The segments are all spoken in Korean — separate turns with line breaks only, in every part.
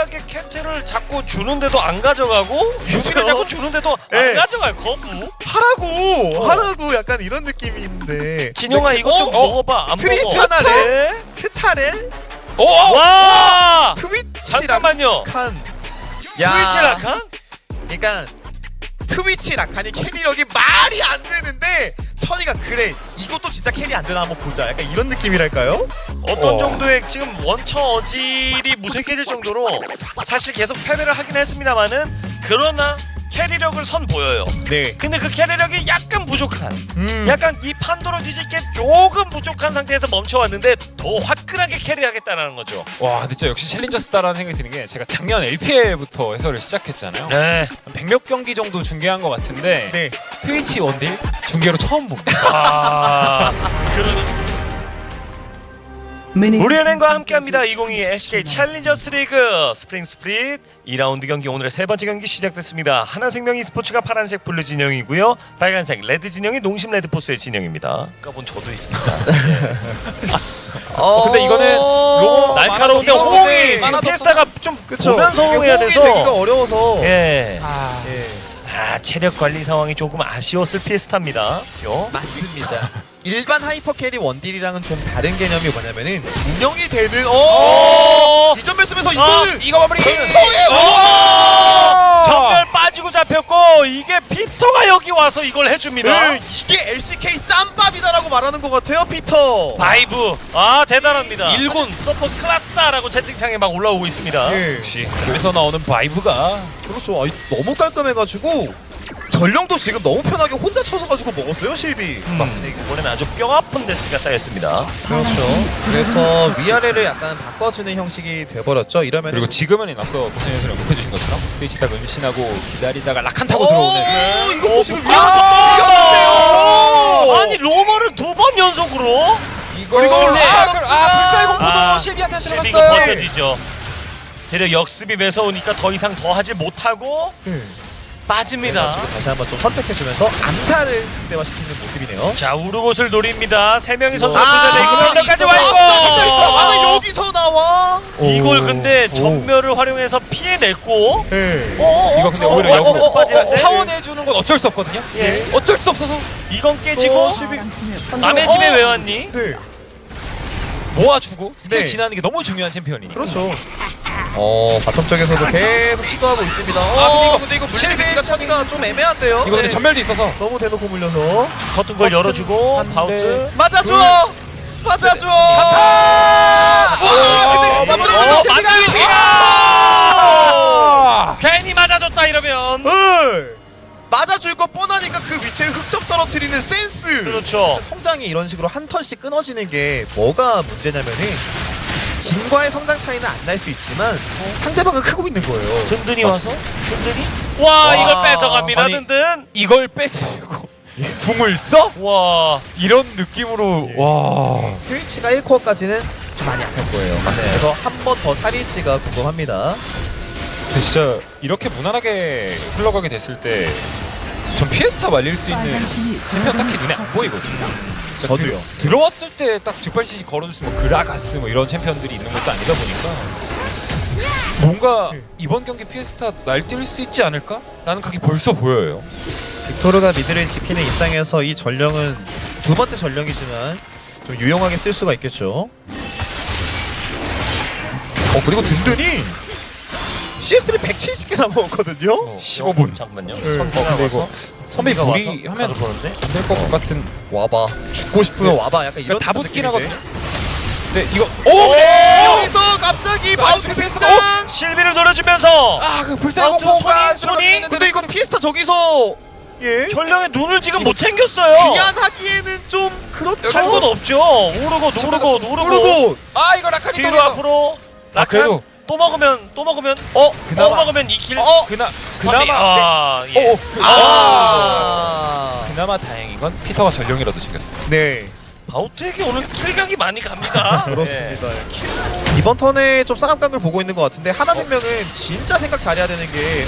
화끈하게 캡틴을 자꾸 주는데도 안 가져가고 유비를 자꾸 주는데도 안 가져가요. 거부.
하라고 약간 이런 느낌인데.
진영아 이거 좀 먹어봐. 안
트리스타나를
먹어.
트타렐
와!
트위치
잠깐만요.
라칸.
트위치 라칸?
그러니까 트위치 라칸이 캐리력이 말이 안 되는데 천이가 그래 이것도 진짜 캐리 안 되나 한번 보자. 약간 이런 느낌이랄까요?
어떤 정도의 지금 원처 어질이 무색해질 정도로 사실 계속 패배를 하긴 했습니다만은 그러나 캐리력을 선보여요.
네.
근데 그 캐리력이 약간 부족한 약간 이 판도로 뒤집게 조금 부족한 상태에서 멈춰왔는데 더 화끈하게 캐리하겠다는 거죠.
와 근데 진짜 역시 챌린저스다라는 생각이 드는 게 제가 작년 LPL부터 해설을 시작했잖아요.
네.
한 100몇 경기 정도 중계한 것 같은데
네.
트위치 원딜 중계로 처음 봅니다.
아, 그런 우리은행과 함께합니다. 2022 LCK 챌린저스 리그 스프링 스플릿 2라운드 경기 오늘의 세 번째 경기 시작됐습니다. 하나생명 e스포츠가 파란색 블루 진영이고요. 빨간색 레드 진영이 농심 레드포스의 진영입니다. 까본 저도 있습니다.
근데 이거는
날카로운데
이거는
호응이 지금
만화도
피에스타가 좀
그쵸.
보면서 호응해야
호응이
돼서
되기가 어려워서.
예.
예.
체력 관리 상황이 조금 아쉬웠을 피에스타입니다. 그렇죠?
맞습니다. 일반 하이퍼 캐리 원딜이랑은 좀 다른 개념이 뭐냐면은 운영이 되는 이점 말씀에서 이거는
이거 마무리.
피터의
전멸 빠지고 잡혔고 이게 피터가 여기 와서 이걸 해줍니다.
네, 이게 LCK 짬밥이다라고 말하는 것 같아요, 피터.
바이브 대단합니다. 1군 서포트 클래스다라고 채팅창에 막 올라오고 있습니다.
예.
역시 짬에서 나오는 바이브가
그렇죠. 너무 깔끔해가지고 전령도 지금 너무 편하게 혼자 쳐서가지고 먹었어요, 실비.
맞습니다. 이번에는 아주 뼈 아픈 데스가 쌓였습니다.
그렇죠. 그래서 위아래를 약간 바꿔주는 형식이 돼버렸죠. 이러면
그리고 지금은 앞서 고생해서 언급해주신 것처럼 트위치 딱 은신하고 기다리다가 라칸 타고 들어오는
이것도 지금
아!
위험한데요.
아니 로머를 2번 연속으로
그리고
불사의 공포도 실비한테
실비가
들어갔어요.
버텨지죠. 대략 역습이 매서우니까 더 이상 더 하지 못하고 빠집니다.
다시 한번 좀 선택해주면서 암살을 극대화시키는 모습이네요.
자 우르곳을 노립니다. 3명이 선수가
아,
투자되고 펜더까지 와
아,
있고
여기서 나와.
이걸 근데 전멸을 활용해서 피해냈고
네.
이거 근데 오히려 역으로
빠지는데
타원해주는 건 어쩔 수 없거든요.
예.
어쩔 수 없어서
이건 깨지고 남의 집에 왜 왔니?
네.
모아주고 스킬
네.
지나는 게 너무 중요한 챔피언이니까.
그렇죠. 바텀 쪽에서도 계속 시도하고 있습니다. 근데 이거 물리는
실비.
위치가 천이가 좀 애매한데요.
이거 근데
네.
전멸도 있어서
너무 대놓고 물려서
커튼 걸 열어주고
한
바우트
맞아줘. 맞아줘.
와,
근데 땀들어가서
맞으니까 괜히 맞아줬다 이러면
맞아줄 거 뻔하니까 그 위치에 흑점 떨어뜨리는 센스.
그렇죠.
성장이 이런 식으로 한 턴씩 끊어지는 게 뭐가 문제냐면은 진과의 성장 차이는 안 날 수 있지만 상대방은 크고 있는 거예요.
든든히 와서 든든히 와 이걸 뺏어갑니다.
아니,
든든
이걸 뺏으려고 궁을 써?
와
이런 느낌으로 와.
트위치가 1코어까지는 좀 많이 약할 거예요.
맞습니다.
그래서 한 번 더 살일지가 궁금합니다.
근데 진짜 이렇게 무난하게 흘러가게 됐을 때 전 피에스타 말릴 수 있는 챔피언 딱히 눈에 안 보이거든요. 그러니까
저도요.
들어왔을 때 딱 즉발CC 걸어줄 수 있는 그라가스 뭐 이런 챔피언들이 있는 것도 아니다 보니까 뭔가 이번 경기 피에스타 날뛸 수 있지 않을까? 라는 각이 벌써 보여요.
빅토르가 미드를 지키는 입장에서 이 전령은 두 번째 전령이지만 좀 유용하게 쓸 수가 있겠죠. 그리고 든든히 CS를 170개나 먹었거든요.
15분.
잠깐만요.
네.
선배가
근데
와서
이거 선배 무리하면
보는데
안 될 것 같은.
와봐. 죽고 싶으면 와봐. 약간 이런
다 붙긴
느낌인데.
하거든요. 근데 이거
여기서 갑자기 바우트
패스.
등장.
실비를 노려주면서
그 불사의
아무튼
공포가
손이
근데 이거 피스타 저기서
전령의 눈을 지금 못 챙겼어요.
귀환하기에는 좀 그렇죠.
할 건 없죠. 오르고
모르고
이거 라칸이
뒤로
떨어져.
앞으로
아, 그래도.
또 먹으면 또
그나마
먹으면 2킬
그나마
예.
그나마 다행인 건 피터가 전령이라도 챙겼어요.
네.
바우트에게 오늘 킬각이 많이 갑니다.
그렇습니다. 이번 턴에 좀 쌍압각을 보고 있는 것 같은데 하나생명은 진짜 생각 잘해야 되는 게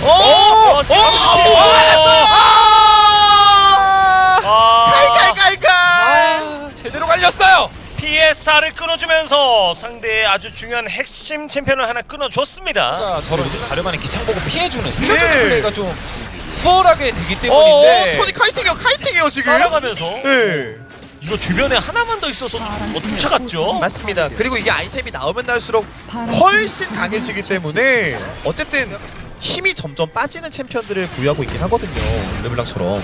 아,
칼칼칼칼
제대로 갈렸어요.
피에스타를 끊어주면서 상대의 아주 중요한 핵심 챔피언을 하나 끊어줬습니다.
저런 이제 자르반의 기창 보고 피해주는 이런
네.
플레이가 좀 수월하게 되기 때문인데
천이 카이팅이요 지금.
따라가면서
네.
이거 주변에 하나만 더 있어서 더 쫓아갔죠.
맞습니다. 그리고 이게 아이템이 나오면 나올수록 훨씬 강해지기 때문에 어쨌든 힘이 점점 빠지는 챔피언들을 보유하고 있긴 하거든요. 르블랑처럼.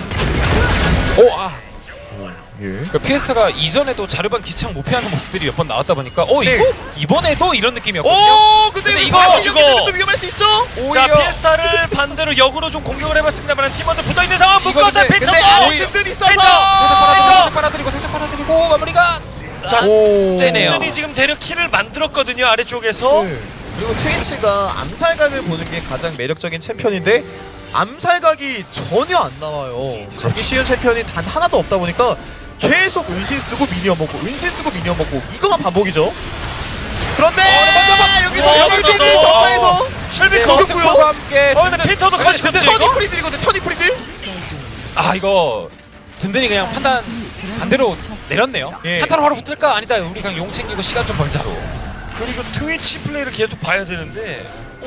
예.
그러니까 피에스타가 이전에도 자르반 기창 못 피하는 모습들이 몇 번 나왔다 보니까
네.
이거 이번에도 이런 느낌이었거든요.
오, 근데
근데
이거
이거
사실 이거 좀 위험할 수 있죠?
자
오히려
피에스타를 반대로 역으로 좀 공격을 해봤습니다만 팀원들 붙어있는 상황
이거
묶어서
근데-
핀터
근데 안에
오히려-
든든
살짝
있어서.
빨아들이고 마무리가
자
오.
떼네요.
든든히 지금 대륙 킬을 만들었거든요 아래쪽에서.
네. 그리고 트위치가 암살각을 보는 게 가장 매력적인 챔피언인데 암살각이 전혀 안 나와요. 잡기 쉬운 챔피언이 단 하나도 없다 보니까 계속 은신 쓰고 미니언 먹고 은신 쓰고 미니언 먹고 이것만 반복이죠. 그런데 여기서 여기서 전파에서
실비
네,
컷.
어렵고요.
와 함께
근데 핀터도 커지거든요
천이
이거.
프리들이거든. 천이 프리들.
이거 든든히 그냥 판단 반대로 내렸네요.
예.
한타로 바로 붙을까? 아니다. 우리 그냥 용 챙기고 시간 좀 벌자로.
그리고 트위치 플레이를 계속 봐야 되는데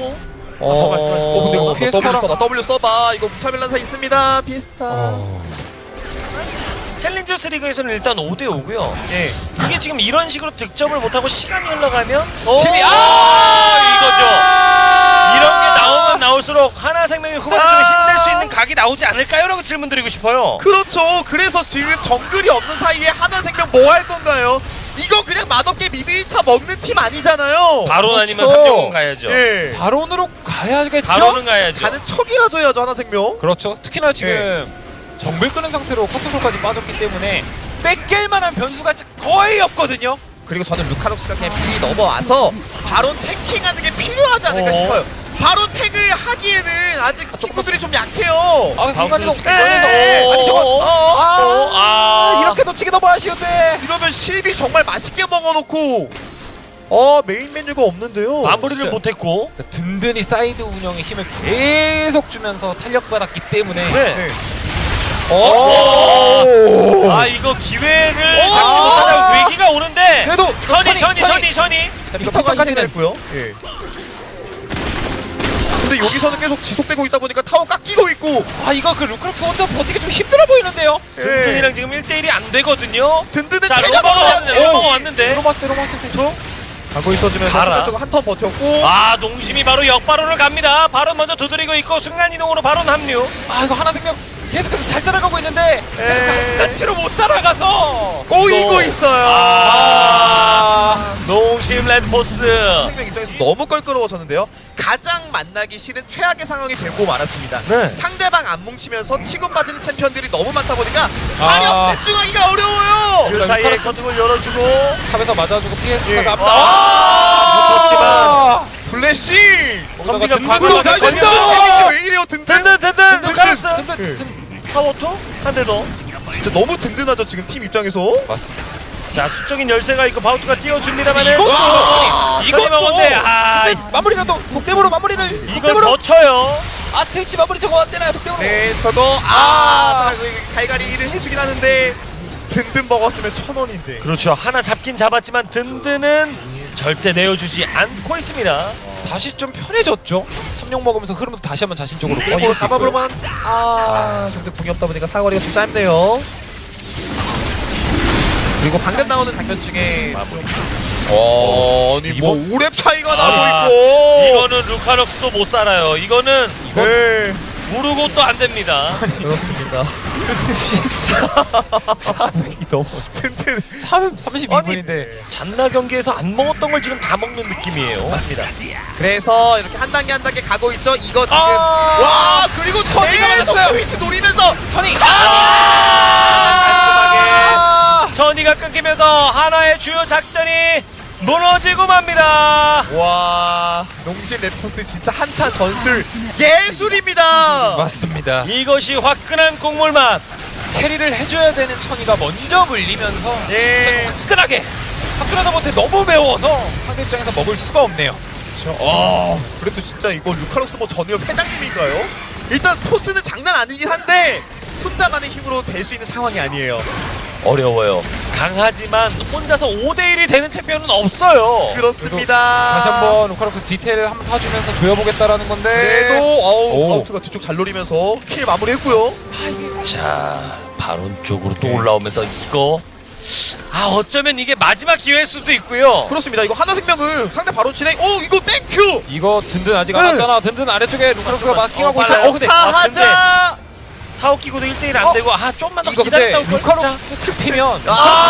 근데 이거 피에스타랑-
W 써봐. 이거 무차별난사 있습니다. 피에스타.
챌린저스 리그에서는 일단 5대5고요.
예.
이게 지금 이런 식으로 득점을 못하고 시간이 흘러가면
오!
팀이 이거죠. 이런 게 나오면 나올수록 하나생명이 후반에 좀 힘낼 수 있는 각이 나오지 않을까요? 라고 질문 드리고 싶어요.
그렇죠. 그래서 지금 정글이 없는 사이에 하나생명 뭐 할 건가요? 이거 그냥 맛없게 미드 1차 먹는 팀 아니잖아요.
바론 아니면
그렇죠.
3대0 가야죠.
예.
바론으로 가야겠죠?
바론은 가야죠.
가는 척이라도 해야죠 하나생명.
그렇죠. 특히나 지금 정글 끄는 상태로 커트롤까지 빠졌기 때문에 뺏길 만한 변수가 거의 없거든요.
그리고 저는 루카록스가 그냥 미리 넘어와서 바론 탱킹하는 게 필요하지 않을까
어.
싶어요. 바론 탱을 하기에는 아직 친구들이 좀 약해요.
순간이동
바운스를
네.
아니 저거
어?
이렇게 놓치기 너무 아쉬운데.
이러면 실비 정말 맛있게 먹어놓고 메인 메뉴가 없는데요.
마무리를
진짜.
못했고.
그러니까 든든히 사이드 운영에 힘을 계속 주면서 탄력받았기 때문에
네.
네.
이거 기회를
오!
잡지 못하면 위기가 오는데.
그래도
천이.
이거
피터가
피터까지는
희생했고요. 예. 근데 여기서는 계속 지속되고 있다 보니까 타워 깎이고 있고
이거 그 루크록스 혼자 버티기 좀 힘들어 보이는데요.
든든이랑 지금 1대1이 안 되거든요.
든든은
자,
체력
로마가
없어요.
왔는데, 로마가 왔는데.
로마스
가고 있어주면서
가라.
순간 쪽으로 한턴 버텼고
농심이 바로 역바론을 갑니다. 바론 먼저 두드리고 있고 순간이동으로 바론 합류.
이거 하나생명 계속해서 잘 따라가고 있는데 끝으로 못 따라가서
꼬이고 있어요.
농심 레드포스.
생명 입장에서 너무 껄끄러워졌는데요. 가장 만나기 싫은 최악의 상황이 되고 말았습니다.
네.
상대방 안 뭉치면서 치고 빠지는 챔피언들이 너무 많다 보니까 화력 집중하기가 어려워요.
그 사이에 커튼을 열어주고
탑에서 맞아주고
예.
피에스타가
붙었지만
블래시.
선비가
든든,
과거로
든든,
든든
든든.
왜 이래요 든든?
든든 루카스
든든
파워토 한 대 더.
진짜 너무 든든하죠 지금 팀 입장에서.
맞습니다.
자 수적인 열쇠가 있고 바우트가 띄워줍니다만은
이것도
이것도 먹었네.
마무리라도 독대으로 마무리를
이걸
독대으로
버텨요.
트위치 마무리 저거 안 되나요 독대으로?
네 저거 갈갈이를 해주긴 하는데 든든 먹었으면 1,000원인데.
그렇죠. 하나 잡긴 잡았지만 든든은 절대 내어주지 않고 있습니다.
다시 좀 편해졌죠. 3용 먹으면서 흐름도 다시 한번 자신적으로 끌고
이거
올수 있고요.
잡아볼만. 근데 궁이 없다 보니까 사거리가 좀 짧네요. 그리고 방금 나오는 장면 중에 좀 아니 뭐 5렙 차이가 나고 있고.
이거는 루카럭스도 못 살아요. 이거는
네
모르고 또 안 됩니다.
그렇습니다.
400이 너무
든든
32분인데
잔나 경기에서 안 먹었던 걸 지금 다 먹는 느낌이에요.
맞습니다. 그래서 이렇게 한 단계 한 단계 가고 있죠. 이거 지금
아!
와 그리고
천이
계속
나왔어요.
트위치 노리면서
천이
전이가 끊기면서 하나의 주요 작전이 무너지고 맙니다.
와 농심 레드포스 진짜 한타 전술 예술입니다.
맞습니다.
이것이 화끈한 국물 맛.
캐리를 해줘야 되는 천이가 먼저 물리면서
예.
진짜 화끈하다 못해 너무 매워서 상대 입장에서 먹을 수가 없네요.
그래도 진짜 이거 루카록스 뭐 전역 회장님인가요? 일단 포스는 장난 아니긴 한데 혼자만의 힘으로 될 수 있는 상황이 아니에요.
어려워요. 강하지만 혼자서 5대1이 되는 챔피언은 없어요.
그렇습니다.
다시 한번 루카락스 디테일을 한번 타주면서 조여보겠다라는 건데.
그래도
오.
바우트가 뒤쪽 잘 노리면서 킬 마무리했고요.
자, 바론 쪽으로 또 올라오면서 이거 어쩌면 이게 마지막 기회일 수도 있고요.
그렇습니다. 이거 하나생명은 상대 바론 진행. 이거 땡큐.
이거 든든 아직 안
네.
왔잖아. 든든 아래쪽에 루카락스가 마킹하고
빨라요.
있잖아. 근데
하자.
타워 끼고도 1대1 안 되고 좀만 더
이거 근데
기다렸다고
루카락스 잡히면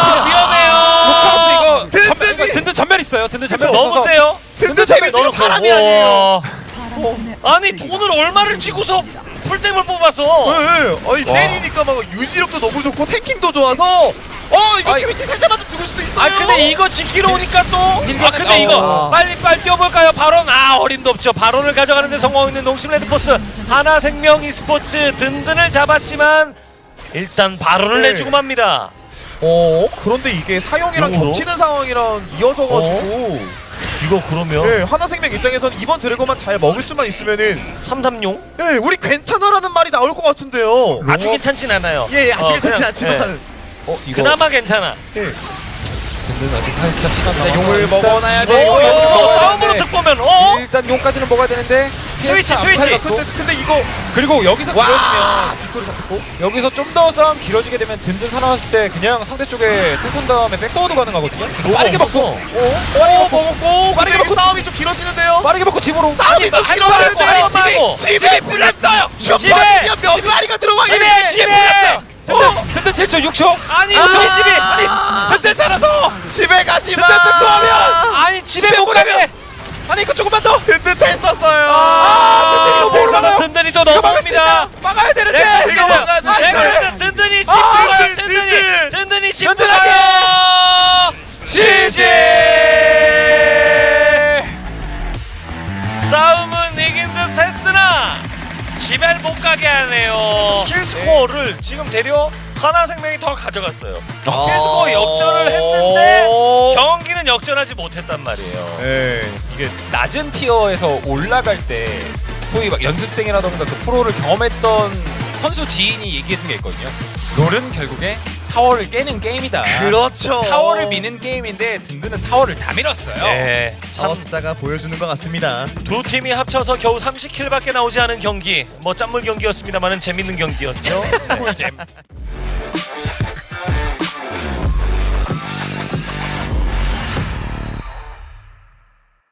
위험해요.
루카락스 이거
든든히.
든든 전멸 있어요. 든든 전멸
그쵸.
있어서
너무 세요.
든든 재미 지금 사람이 아니에요.
아니 돈을 얼마를 쥐고서 풀템을 뽑아서
네. 아니
와.
때리니까 막 유지력도 너무 좋고 탱킹도 좋아서 이거
아이.
트위치 세대 맞으면 죽을 수도 있어요.
근데 이거 지키러 오니까 또
딜러는-
근데 이거
아.
빨리 뛰어볼까요? 바론 어림도 없죠. 바론을 가져가는데 성공있는 농심 레드포스. 하나생명 e스포츠 든든을 잡았지만 일단 바론을
네.
내주고 맙니다.
그런데 이게 사용이랑
용으로?
겹치는 상황이랑 이어져가지고
이거 그러면
네, 하나생명 입장에서는 이번 드래곤만 잘 먹을 수만 있으면은
3-3용?
네, 우리 괜찮아라는 말이 나올 것 같은데요.
아주 괜찮진 않아요.
예, 아직 괜찮진
그냥,
않지만
이거
그나마 괜찮아.
예.
든든 아직 살짝 시간
네,
남아서
용을
일단-
먹어놔야
이거
되고.
여기서
싸움으로
되는데
득보면
일단 용까지는 먹어야 되는데
트위치,
PS
트위치.
안 팔렸고.
근데 이거
그리고 여기서
와
길어지면
뒷골이 잡혔고
여기서 좀 더 싸움 길어지게 되면 든든 살아났을 때 그냥 상대 쪽에 탱큰 다음에 백도어도 가능하거든요. 그래서 빠르게 먹고
먹었고
빠르게
근데 이
먹고.
싸움이 좀 길어지는데요.
빠르게 먹고 집으로
싸움이 좀 길어지는데 집에
불렸어요.
슈퍼미니언 몇 마리가 들어와
집에
있는데
집에
든든 7초 6초
아니
아.
저희 집이
든든 살아서
집에 가지마.
든든 백도어면
아니 집에 못 가게
아니 이거 조금만 더
든든했었어요.
든든이 이거 못 올라가요.
든든히 또
이거 막을 수
넘어갑니다.
있나? 막아야 되는데
이거 막아야 돼.
내가 든든히 집
아,
가요.
든든.
든든히 집
든든하게.
가요.
지지
싸움은 이긴 듯 했으나 집에 못 가게 하네요. 킬 스코어를 지금 대려 하나생명이 더 가져갔어요. 킬 스코어 역전을 했는데 경기는 역전하지 못했단 말이에요.
네.
이게 낮은 티어에서 올라갈 때 소위 막 연습생이라던가 그 프로를 경험했던 선수 지인이 얘기해준 게 있거든요. 롤은 결국에 타워를 깨는 게임이다.
그렇죠.
타워를 미는 게임인데 든든은 타워를 다 밀었어요.
네,
타워 숫자가 보여주는 것 같습니다.
두 팀이 합쳐서 겨우 30킬밖에 나오지 않은 경기. 뭐 짠물 경기였습니다만은 재밌는 경기였죠.
꿀잼.